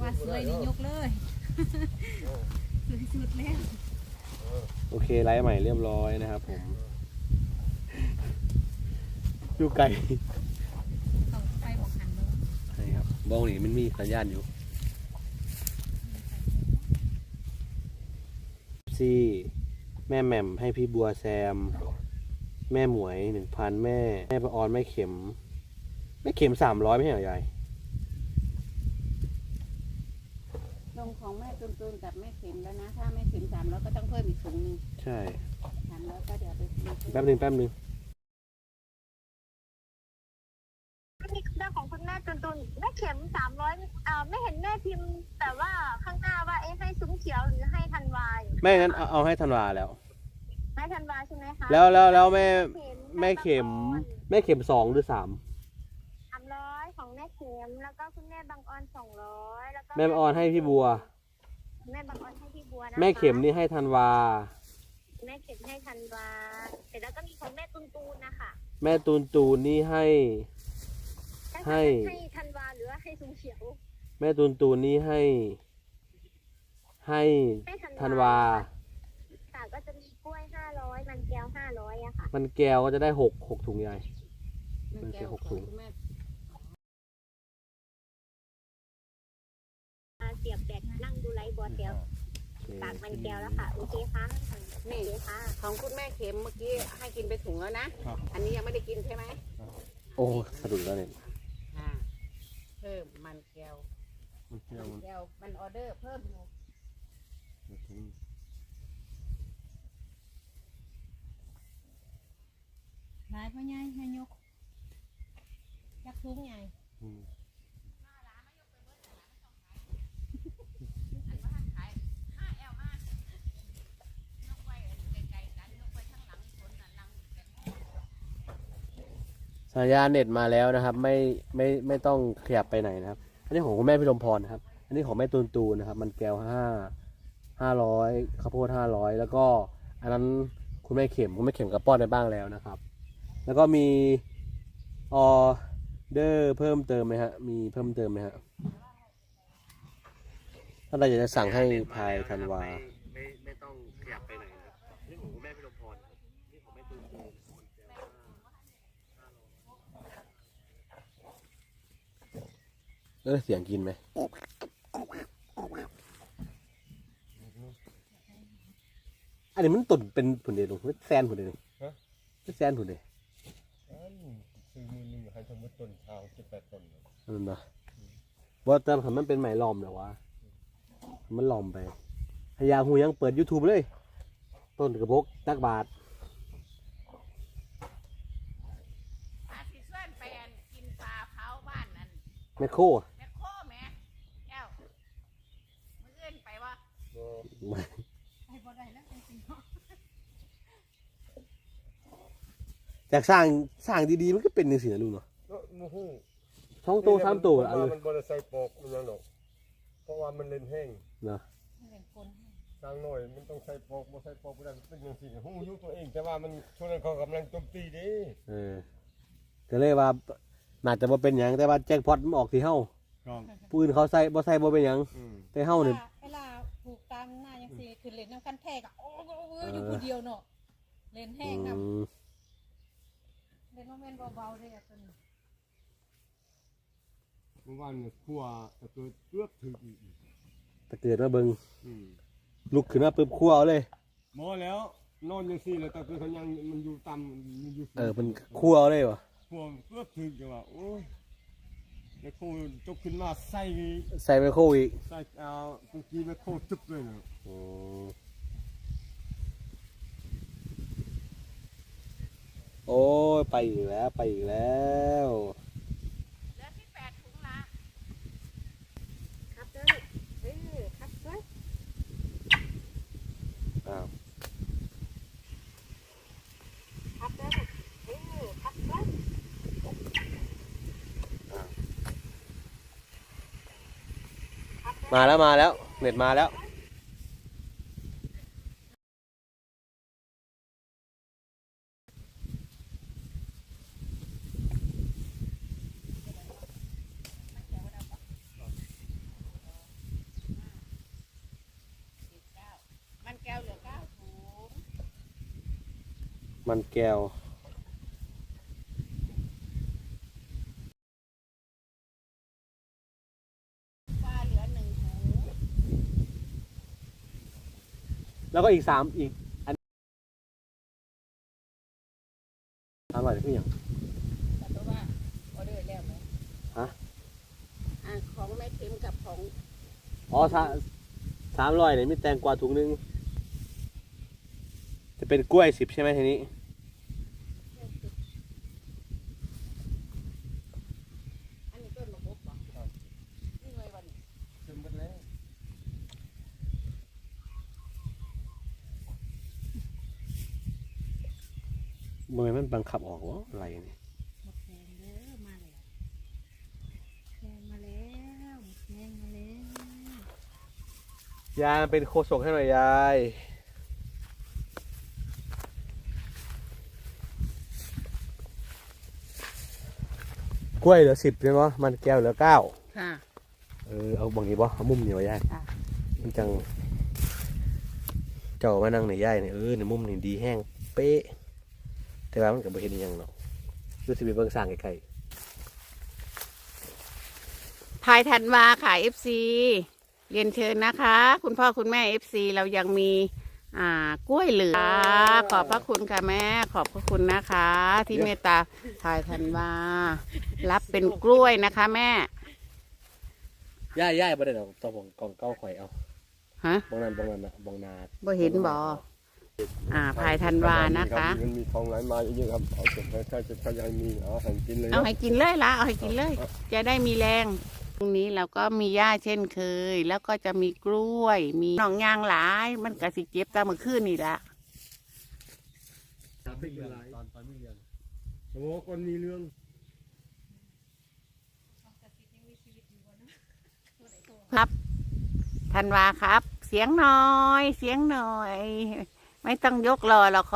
ว่าสวยนี่ยกเลยสวยสุดแล้วโอเคไลฟ์ใหม่เรียบร้อยนะครับผมอยู่ไกลเขาไปบอกหันเลยใช่ครับบ้องนี่มันมีสัญญาณอยู่ซี่แม่แหม่มให้พี่บัวแซมแม่หมวย 1,000แม่ประออนแม่เข็ม300ไม่ใช่เหรอยายลงของแม่ตูนกับแม่เข็มแล้วนะถ้าแม่เข็ม300ก็ต้องเพิ่มอีกถุงนึงใช่ 300ก็เดี๋ยวไปแป๊บนึงเรื่องของคุณแม่ตุนแม่เข็ม300ไม่เห็นแม่พิมพ์แต่ว่าข้างหน้าว่าให้ซุ้มเขียวหรือให้ธันวาแม่งั้นเอาให้ธันวาแล้วให้ธันวาใช่ไหมคะแล้วแม่เข็ม2หรือ300 ของแม่เข็มแล้วก็คุณแม่บางออน200แล้วก็แม่บางออนให้พี่บัวแม่บางออนให้พี่บัวนะคะแม่เข็มนี่ให้ธันวาแม่เข็มให้ธันวาเสร็จแล้วก็มีของแม่ตูนนะคะแม่ตูนนี่ให้ธันวาหรือว่าให้ซุ้มเขียวแม่ตูนนี่ให้ธันวาค่ะก็จะมีกล้วย500มันแก้ว500อะค่ะมันแก้วก็จะได้6ถุงใหญ่มันแก้ว6ถุงเสียบแบตนั่งดูไลฟ์บอลเดียวตากมันแก้วแล้วค่ะโอเคค่ะนี่ของคุณแม่เข็มเมื่อกี้ให้กินไปถุงแล้วนะอันนี้ยังไม่ได้กินใช่ไหมโอ้สะดุดแล้วเนี่ยเพิ่มมันแก้วมันออเดอร์เพิ่มหลายพ่อใหญ่ให้ยกยักษ์ทุ้งใหญ่สัญญาณเน็ตมาแล้วนะครับไม่ต้องขยับไปไหนนะครับอันนี้ของคุณแม่พิรมพรนะครับอันนี้ของแม่ตูนนะครับมันแก้ว500ข้าวโพด500แล้วก็อันนั้นคุณแม่เข็มกับป้อนไปบ้างแล้วนะครับแล้วก็มีออเดอร์เพิ่มเติมไหมฮะมีเพิ่มเติมไหมฮะถ้าเราอยากจะสั่งให้ภายธันวาไม่ต้องขยับไปไหนนะนี่ของคุณแม่พิรมพรนี่ของแม่ตูนเสียงกินไหมอันนี้มันตุ่นเป็นผุนเดียวหรือแซนผุนเดียวนี่แซนผุนเดียวซื้อมือหนึ่งให้สมมติต้นชาว18 ต้นนั่นนะว่าแต่มันเป็นไหมล้อมเหรอวะมันล้อมไปพยาหูยังเปิด YouTube เลยต้นกระบอกตักบาทสิส่วนไปกินปลาเผาบ้านนั่นแมคโครแม่แก้วมือเอื้อนไปวะไปบ่ได้แล้วจริงๆเนาะจากสร้างดีๆมันก็เป็นอย่างนี้นะลุงเนาะช่องโต3 ตัวอะไรมันบริใส่ปอกมันยังหรอกเพราะว่ามันเล่นแห้งนะสร้างหน่อยมันต้องใส่ปอกบ่ใส่ปอกไม่ได้เป็นอย่างสิ่งหูยุตัวเองแต่ว่ามันช่วงนั้นเขากำลังโจมตีดิก็เลยว่าน่าจะบ่เป็นอย่างแต่ว่าแจ็คพอตมันออกที่เฮาปืนเขาใส่บ่เป็นอย่างแต่เฮาเนี่ยเวลาปลูกตามหน้ายังสิคือเล่นน้ำกันแทกโอ้อยู่คนเดียวเนาะเล่นแห้งนะเล่นโมเมนต์เบาๆเลยตัวนี้เมื่อวานเนี่ยขั้วตะเกิดเกือบถึงตะเกิดมาเบิ่งลุกขึ้นมาปึ๊บคั่วเอาเลยหมอแล้วนอนอย่างซี่แล้วตะเกิดเขายังมันอยู่ต่ำมันอยู่มันคั่วเอาเลยวะขั้วเกือบถึงจังว่าโอ้ยแล้วโคจกขึ้นมาใส่ไมโครอีกใส่ตะกี้ไมโครจุบเลยนะโอ้ยไปอีกแล้วเหลือ18 ถุงละครับเด้อครับเด้อครับเด้อครับเด้อมาแล้วเน็ตมาแล้วมันแก้วปลาเหลือ1 ถุงแล้วก็อีก3อีกอัน3บาทคืออย่างแต่ตัวว่าออเดอร์แล้วไหมฮะของแม่เข็มกับของอ๋อ300เนี่ยมีแตงกวาถุงนึงจะเป็นกล้วย10ใช่ไหมทีนี้อันนี้ต้นมะพร้าวนี่ไงวันนี้เต็มหมดแล้วมือมันบังคับออกวะอะไรนี่หมดแดงเด้อมาแล้วแดงมาแล้วหมดแดงมาแล้วยายเป็นโคศกให้หน่อยยายกล้วยเหลือ10ใช่ไหมมันแก้วเหลือ9 ค่ะเอาบางนี้บ่เอามุมเหนียวยายค่ะมันจังเจ้ามานั่งในยายเนี่ยในมุมนี่ดีแห้งเป๊ะแต่ว่ามันก็บ่เห็นอหยังเนาะดูสิไปเบิ่งสร้างไกลพายธันวาค่ะ FC เรียนเชิญนะคะ คุณพ่อคุณแม่ FC เรายังมีกล้วยเหลือขอบพระคุณค่ะแม่ขอบพระคุณนะคะ ที่เมตตาพายธันวารับเป็นกล้วยนะคะแม่ๆยายบ่ได้ดอกต้องกองเก้าข่อยเอาฮะบองนั้นน่ะบองนาบ่เห็นบ่พายธันวานะคะมันมีทองไหลมาเยอะๆครับเอาเก็บไว้ถ้าจะพยายามมีเอาให้กินเลยเอาให้กินเลยละเอาให้กินเลย จะได้มีแรงตรงนี้เราก็มีหญ้าเช่นเคย แล้วก็จะมีกล้วย มีหนองยางหลาย มันกะสิเจ็บตามเมื่อคืนนี่ละตอนไม่เรียนโอ้คนมีเรื่องครับธันวาครับ เสียงหน่อย เสียงหน่อย ไม่ต้องยกรอหรอก